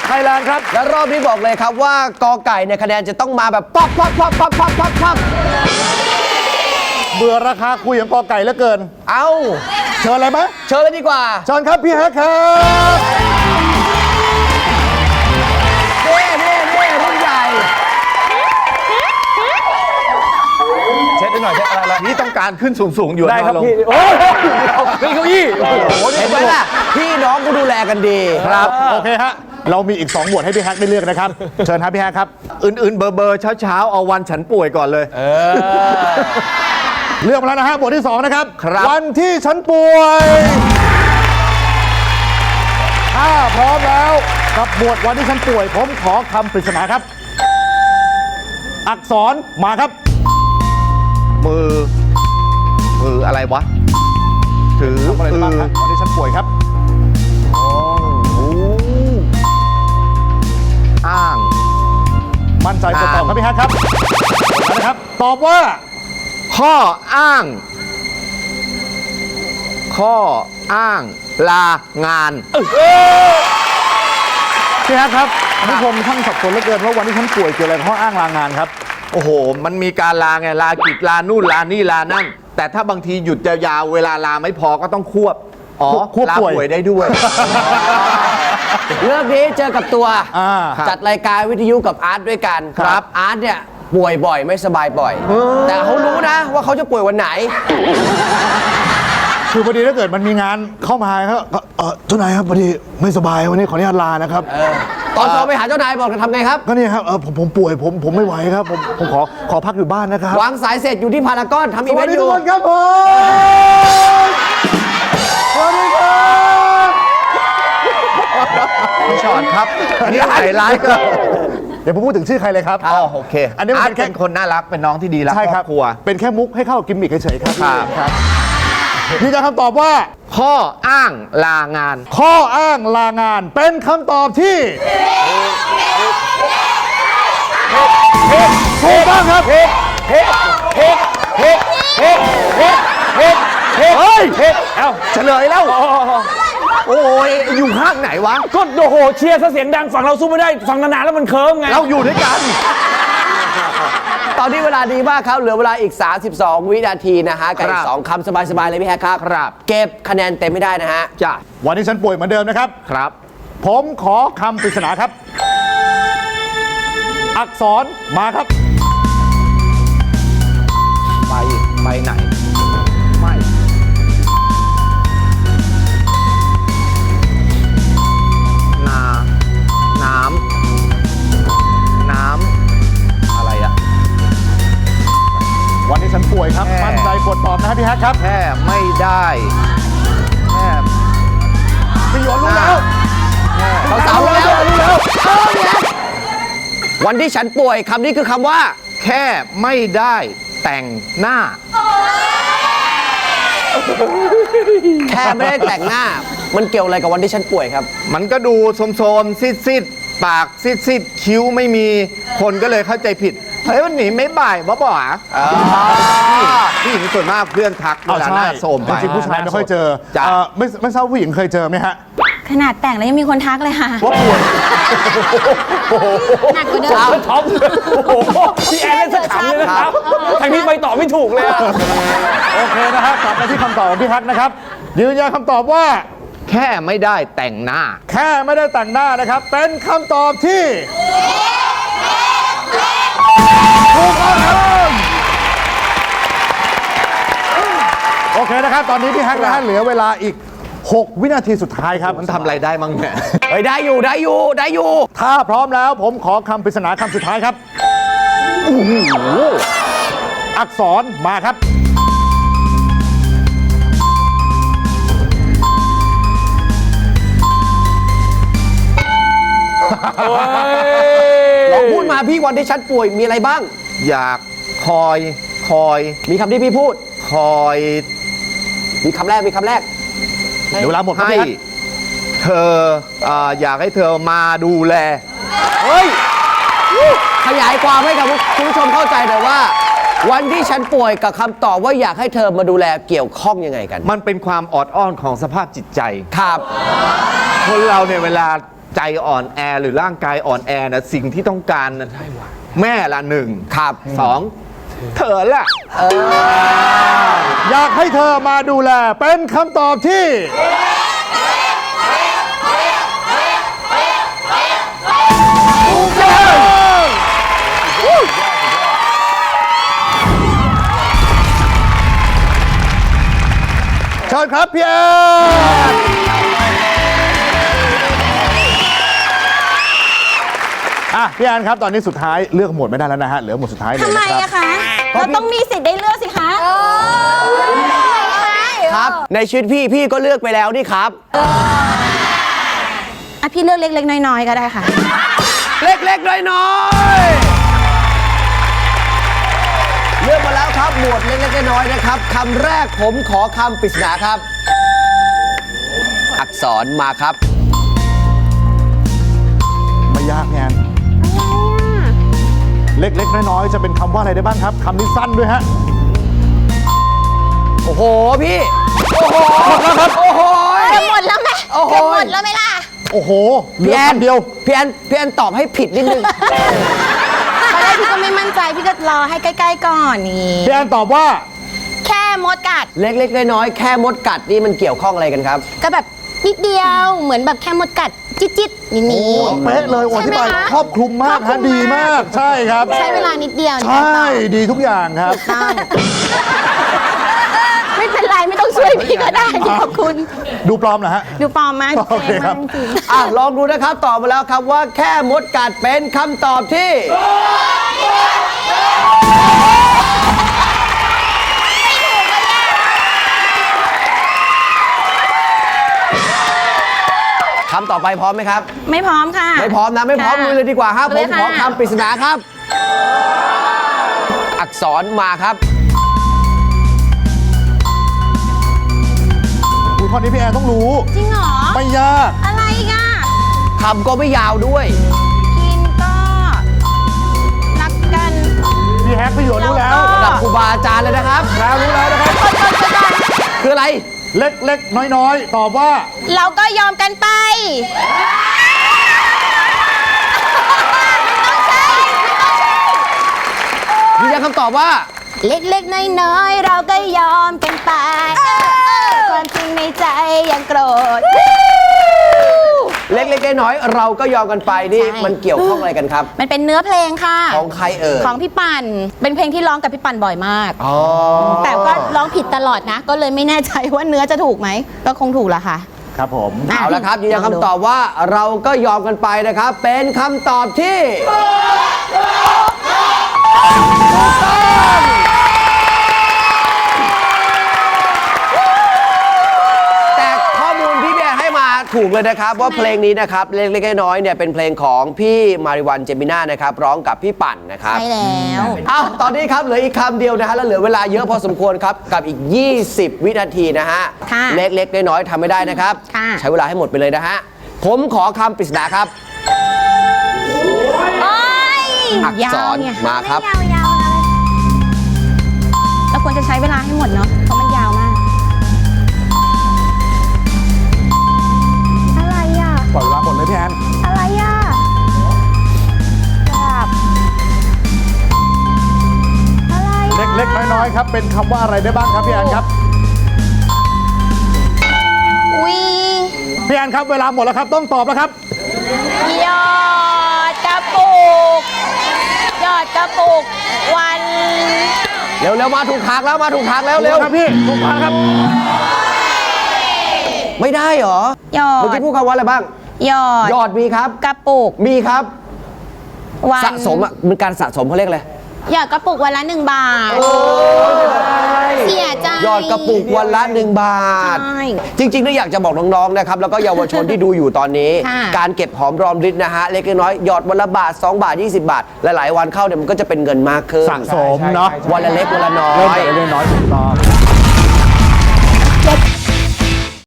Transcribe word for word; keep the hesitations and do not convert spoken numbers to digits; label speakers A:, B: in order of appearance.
A: ไทยแลนด์ครับ
B: และรอบนี้บอกเลยครับว่ากอไก่เนี่ยคะแนนจะต้องมาแบบปั๊บปั๊บปั๊บปั๊บปั๊บปั๊บปั๊บ
A: เบื่อราคาคุยของกอไก่เหลือเกิน
B: เอา
A: เชิญเลยไหม
B: เชิญเลยดีกว่า
A: เชิญครับพี่แฮกครับ
B: เน่เน่เน่รุ่นใหญ่
A: เช็ดหน่อยเช็ดอะไร
C: นี่ต้องการขึ้นสูงๆอยู่
A: ได้ครับพี่โอ้ยเก้าอี้โอ้โห
B: เห็นไหมล่ะพี่น้องก็ดูแลกันดี
A: ครับโอเคฮะเรามีอีกสองบทให้พี่แฮกได้เลือกนะครับเชิญครับพี่แฮกครับ
C: อื่นๆเบอร์เบอร์เช้าๆเอาวันฉันป่วยก่อนเลย
A: เออเลือกมาแล้วนะฮะบทที่สองนะครับ
C: ครับ
A: วันที่ฉันป่วยถ้าพร้อมแล้วกับบทวันที่ฉันป่วยผมขอคำปริศนาครับอักษรมาครับ
C: มือมืออะไรวะถือ
A: อะไรบ้างครับวันที่ฉันป่วยครับ
C: อ้าง
A: มั่นใจกดตอบครับพี่แฮกครับนะครับตอบว่า
C: ข้ออ้างข้ออ้างลางาน
A: พี่แฮกครับผู้ชมท่านสับสนเหลือเกินว่าวันที่ฉันป่วยเกี่ยวอะไรกับข้ออ้างลางานครับ
C: โอ้โหมันมีการลาไงลากิจลานู่นลานี่ลานั่นแต่ถ้าบางทีหยุดยาวๆเวลาลาไม่พอก็ต้องควบอ๋อ
A: ควบ
C: ลาป่วยได้ด้วย
B: เรื่องนี้เจอกับตัวจัดรายการวิทยุกับอาร์ตด้วยกันครับอาร์ตเนี่ยป่วยบ่อยไม่สบายบ่อยแต่เขารู้นะว่าเขาจะป่วยวันไหน
A: คือพอดีถ้าเกิดมันมีงานเข้ามาครับเออเจ้านายครับพอดีไม่สบายวันนี้ขออนุญาตลานะครับ
B: ตอนโทรไปหาเจ้านายบอกจะทำไงครับ
A: ก็นี่ครับเออผมผมป่วยผมผมไม่ไหวครับผมผมขอขอพักอยู่บ้านนะครับ
B: วางสายเสร็จอยู่ที่พารากอนทำอีเวนต์อยู่
A: สวัสดีทุกคนครับผมสวัสดีครับ
C: พี่ชอนครับอันนี้ใส่ร้ายก็
A: เดี๋ยวผมพูดถึงชื่อใครเลยครับ
C: อ๋อโอเค
A: อันนี้
C: เป็นแค่คนน่ารักเป็นน้องที่ดีรักครอบครัว
A: เป็นแค่มุกให้เข้ากิมมิคเฉยๆครับครับพี่จะคำตอบว่า
C: ข้ออ้างลางาน
A: ข้ออ้างลางานเป็นคำตอบที่ถูกต้องครับเฮ้เฮ้เฮ้เฮ้เฮ้เฮ้เฮ้เฮ้เฮ้เฮ้เอ้า
C: เฉลยแล้วโอ้ยอยู่ข้างไหนวะ
A: ก็โอ้โหเชียร์ซะเสียงดังฝั่งเราสู้ไม่ได้ฝั่งนานๆแล้วมันเคิร์มไง
C: เราอยู่ด้วยกัน
B: ตอนนี้เวลาดีมากครับเหลือเวลาอีกสามสิบสองวินาทีนะฮะกับอีกสองคำสบายๆเลยพี่แฮกครับ
C: ครับ
B: เก็บคะแนนเต็มไม่ได้นะฮะ
C: จ้ะ
A: วันนี้ฉันป่วยเหมือนเดิมนะครับ
C: ครับ
A: ผมขอคำปริศนาครับอักษรมาครับ
C: ไปไปไหนไม่นาน้ำน้ำอะไรอะ
A: วันนี้ฉันป่วยครับมั่นใจกดตอบนะครับพี่แฮกครับ
C: แค่ไม่ได้แค่
A: พี่หยวนรู้แล้ว
B: เราสาวรู้แล้วรู้แล้ววันที่ฉันป่วยคำนี้คือคำว่า
C: แค่ไม่ได้แต่งหน้า
B: แค่ไม่ได้แต่งหน้ามันเกี่ยวอะไรกับวันที่ฉันป่วยครับ
C: มันก็ดูโสมๆซิดๆปากซิดๆคิ้วไม่มีคนก็เลยเข้าใจผิดเฮ้ยวันนี้ไม่บ่ายบ่บ่าผู้หญิงส่วนมากเพื่อนทักเวลาหน้าโสมไป
A: จริงผู้ชายไม่ค่อยเจอไม่ไม่ทราบผู้หญิงเคยเจอไหมฮะ
D: ขนาดแต่งแล้วยังมีคนทักเลยค่ะ
A: ว่าป่วย
D: หนักกว่าเดิม
A: ท็อปพี่แอนเล่นสักขำเลยนะครับทางนี้ไปต่อไม่ถูกเลยโอเคนะฮะกลับมาที่คำตอบของพี่ฮักนะครับยืนยันคำตอบว่า
C: แค่ไม่ได้แต่งหน้า
A: แค่ไม่ได้แต่งหน้านะครับเป็นคำตอบที่ถูกต้องครับโอเคนะครับตอนนี้พี่ฮักนะฮะเหลือเวลาอีกหกวินาทีสุดท้ายครับ
C: มันทำอะไรได้มั้งเนี่ย
B: เฮ้ยได้อยู่ได้อยู่ได้อยู่
A: ถ้าพร้อมแล้วผมขอคำปริศนาคำสุดท้ายครับโอ้โหอักษรมาครับ
B: ลองพูดมาพี่วันที่ฉันป่วยมีอะไรบ้าง
C: อยากคอยคอย
B: มีคำที่พี่พูด
C: คอย
B: มีคำแรกมีคำแรก
A: เดี๋ยวเวลาหมด
C: ให้เธออยากให้เธอมาดูแล
B: เฮ้ยขยายความให้กับคุณผู้ชมเข้าใจหน่อยว่าวันที่ฉันป่วยกับคำตอบว่าอยากให้เธอมาดูแลเกี่ยวข้องยังไงกัน
C: มันเป็นความออดอ้อนของสภาพจิตใจ
B: ครับ
C: คนเราเนี่ยเวลาใจอ่อนแอหรือร่างกายอ่อนแอนะสิ่งที่ต้องการนะแม่ละหนึ่ง
B: ครับ
C: สองเธอละ
A: อยากให้เธอมาดูแลเป็นคำตอบที่ถูกต้องเชิญครับพี่แอนอ่ะพี่แอนครับตอนนี้สุดท้ายเลือกหมวดไม่ได้แล้วนะฮะเหลือหมวดสุดท้ายเลย
D: ทำไม
A: นะครับ
D: อะคะ เราต้องมีสิทธิ์ได้เลือกสิคะ
B: ครับ ในชีวิตพี่พี่ก็เลือกไปแล้วนี่ครับ
D: อ่ะพี่เลือกเล็กๆน้อยๆก็ได้ค่ะ
B: เล็กๆน้อยๆเลือกมาแล้วครับหมวดเล็กๆน้อยๆนะครับคำแรกผมขอคำปริศนาครับ อักษรมาครับ
A: ไม่ยากพี่แอนเล็กๆน้อยๆจะเป็นคำว่าอะไรได้บ้างครับคำนี้สั้นด้วยฮะ
B: โอ้โหพี่ โอ้โหหมดแล้วครับ โอ้โห
D: จะหมดแล้วไหม
B: โอ้โห
D: จะหมดแล้วไหมล่ะ
A: โอ้โหเหลื
B: พี่
A: อ
B: แอน
A: คำเดียว
B: พี่แอนพี่แอนตอบให้ผิดนิดนึง
D: ตอนแรกพี่ก็ไม่มั่นใจ พี่ก็รอให้ใกล้ๆก่อนนี่
A: พี่แอนตอบว่า
D: แค่มดกัด
B: เล็กๆน้อยๆแค่มดกัดนี่มันเกี่ยวข้องอะไรกันครับ
D: ก็แบบนิดเดียว เหมือนแบบแค่มดกัด จิ๊ดๆนี่นี่
A: เป๊ะเลยโอ้
D: ใช่
A: ที่
D: ไหม
A: ไป
D: คะ
A: ครอบคลุมมาก
D: ครอบคลุ
A: ฮะ
D: ม
A: ดีมากใช่ครับ
D: ใช้เวลานิดเดียว
A: ใช่ดีทุกอย่างครับ
D: ต้อง ไม่เป็นไรไม่ต้องช่วยพี่ก็ได้พี่ขอบคุณ
A: ดูปลอมเหรอฮะ
D: ดูปลอมมาก
A: โอเคครับ
D: จริง
B: อ่ะลองดูนะครับตอบมาแล้วครับว่าแค่มดกัดเป็นคำตอบที่คำต่อไปพร้อมไหมครับ
D: ไม่พร้อมค่ะ
B: ไม่พร้อมนะไม่พร้อม
D: ค่ะ
B: ลุยเลยดีกว่าครับ
D: ลุ
B: ผ
D: ย
B: ม
D: ค่ะ
B: ขอคำปริศนาครับ อักษรมาครับ
A: คุณข้อนี้พี่แอนต้องรู้
D: จริงเหรอ
A: ไม่ยาก
D: อะไรอีกอ่ะ
B: คำก็ไม่ยาวด้วย
D: กินก็รักกัน
A: พี่แฮกพี่หยวนรู้แล้ว
D: แล้วก็
B: ระดับครูบาอาจารย์เลยนะครับ
A: แล้วรู้แล้วนะครับ
B: คืออะไร
A: เล็กๆ น้อยๆ ตอบว่า
D: เราก็ยอมกันไป
B: ยืนยันคำตอบว่า
D: เล็กๆ น้อยๆ เราก็ยอมกันไปความจริงในใจยังโกรธ
B: เล็กๆน้อยๆเราก็ยอมกันไปนี่
D: ใช่
B: มันเกี่ยวข้องอะไรกันครับ
D: มันเป็นเนื้อเพลงค่ะ
B: ของใครเอ่ย
D: ของพี่ปั่น เป็นเพลงที่ร้องกับพี่ปั่นบ่อยมาก
B: อ๋อ
D: แต่ก็ร้องผิดตลอดนะ ก็เลยไม่แน่ใจว่าเนื้อจะถูกไหม ก็คงถูกละค่ะ
A: ครับผม
B: เอาละครับยืนยันคำตอบว่าเราก็ยอมกันไปนะครับ เป็นคำตอบที่แต่ข้อมูลที่พี่แอนให้มาถูกเลยนะครับว่าเพลงนี้นะครับเล็กๆน้อยๆเนี่ยเป็นเพลงของพี่มาริวันเจมิน่านะครับร้องกับพี่ปั่นนะครับ
D: ใช่แล้ว
B: อ้าวตอนนี้ครับเหลืออีกคำเดียวนะฮะแล้วเหลือเวลาเยอะพอสมควรครับกับอีก ยี่สิบ วินาทีนะฮะ
D: ค่ะ
B: เล็กๆน้อยๆทำไม่ได้นะครับ
D: ค่ะ
B: ใช้เวลาให้หมดไปเลยนะฮะผมขอคำปริศนาครับ
D: โอ้ย
B: อักษร
D: ยาวไง
B: มาครับ
D: ยาวยาวๆเลยเราควรจะใช้เวลาให้หมดเนาะ เพราะมันยาวมาก อะไรอ่ะ
A: ปล่อยเวลาหมดเลยพี่แอน
D: อะไรอ่ะแบบอะไรอ่ะ
A: เล็กๆ น้อยๆ ครับ เป็นคำว่าอะไรได้บ้างครับพี่แอนครับ
D: วี
A: พี่แอนครับ เวลาหมดแล้วครับ ต้องตอบแล้วครับ
D: ยอดกระปุก ยอดกระปุก วัน
B: เร็วๆมาถูกทางแล้วมาถูกทางแล้ว
A: เร็
B: เร็
A: ว
B: ว
A: ครับพี่ถูกทางครับ
B: ไม่ได้เหรอย
D: อ
B: เมื่อ
D: ด
B: กี้พูดคำว่าอะไรบ้าง
D: ยอด
B: ยอดมีครับ
D: กระปุก
B: มีครับ
D: วัน
B: สะสมอ่ะมันการสะสมเขาเรียกอะไร
D: ยอดกระปุกวันละหนึ่งบาท เสียใจ
B: ยอดกระปุกวันละหนึ่งบาท
D: ใช่
B: จริงๆนี่อยากจะบอกน้องๆนะครับแล้วก็เยาวชนที่ดูอยู่ตอนนี้
D: ค่ะ
B: การเก็บหอมรอมริบนะฮะเล็กน้อยหยอดวันละบาทสองบาทยี่สิบบาทหลายๆวันเข้าเนี่ยมันก็จะเป็นเงินมากขึ้น
A: สะสมเนาะ
B: วันละเล็กวันละน้อ
A: เริ่ม
B: ย
A: จากเล็กๆน้อยๆถูกต้อง